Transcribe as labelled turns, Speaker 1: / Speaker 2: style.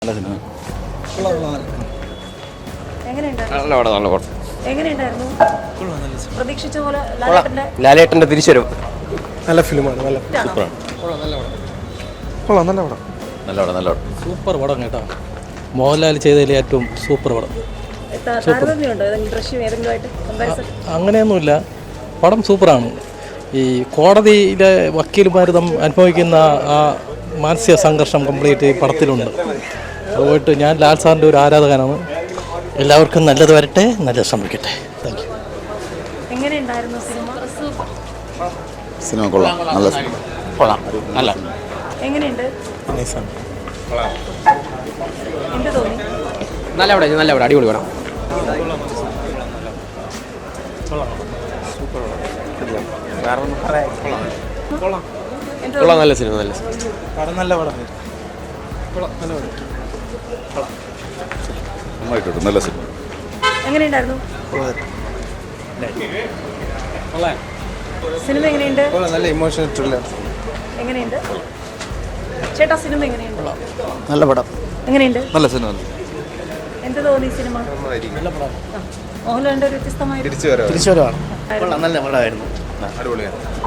Speaker 1: നല്ല സിനിമ.
Speaker 2: പ്രതീക്ഷിച്ച പോലെ
Speaker 1: ലാലേട്ടന്റെ തിരിച്ചുവരും.
Speaker 3: നല്ല ഫിലിമാണ്. നല്ല
Speaker 1: നല്ല പടം.
Speaker 4: സൂപ്പർ പടം കേട്ടോ. മോഹൻലാൽ ചെയ്തതിൽ ഏറ്റവും സൂപ്പർ പടം. അങ്ങനെയൊന്നുമില്ല, പടം സൂപ്പറാണ്. ഈ കോടതിയിലെ വക്കീൽമാർ അനുഭവിക്കുന്ന ആ മാനസിക സംഘർഷം കംപ്ലീറ്റ് ഈ പടത്തിലുണ്ട്. അതുപോയിട്ട് ഞാൻ ലാൽ സാറിൻ്റെ ഒരു ആരാധകനാണ്. എല്ലാവർക്കും നല്ലത് വരട്ടെ, നല്ലത് സംഭവിക്കട്ടെ. Thank you.
Speaker 1: സിനിമ കൊള്ളാം. നല്ല സിനിമ. കൊള്ളാം. നല്ല
Speaker 2: എങ്ങനെയുണ്ട്?
Speaker 1: നല്ല പടം. നല്ല പടം. അടിപൊളി പടം. കൊള്ളാം. നല്ല സിനിമ. നല്ല
Speaker 3: പടം. നല്ല പടം.
Speaker 1: നന്നായിട്ടുണ്ട്. നല്ല സിനിമ.
Speaker 2: എങ്ങനെയുണ്ടായിരുന്നു സിനിമ? എങ്ങനെയുണ്ട്?
Speaker 3: നല്ല ഇമോഷണൽ ത്രില്ലർ.
Speaker 2: എങ്ങനെയുണ്ട് ചേട്ടാ സിനിമ? എങ്ങനെയുണ്ട്?
Speaker 3: നല്ല പടം.
Speaker 2: എങ്ങനെയുണ്ട്?
Speaker 1: നല്ല സിനിമ.
Speaker 2: എന്ത് തോന്നി സിനിമ? മോഹൻലാലിന്റെ ഒരു വ്യത്യസ്തമായ
Speaker 3: തിരിച്ചുവരവാണ്.
Speaker 4: നല്ല പടമായിരുന്നു.
Speaker 1: അടിപൊളിയാണ്.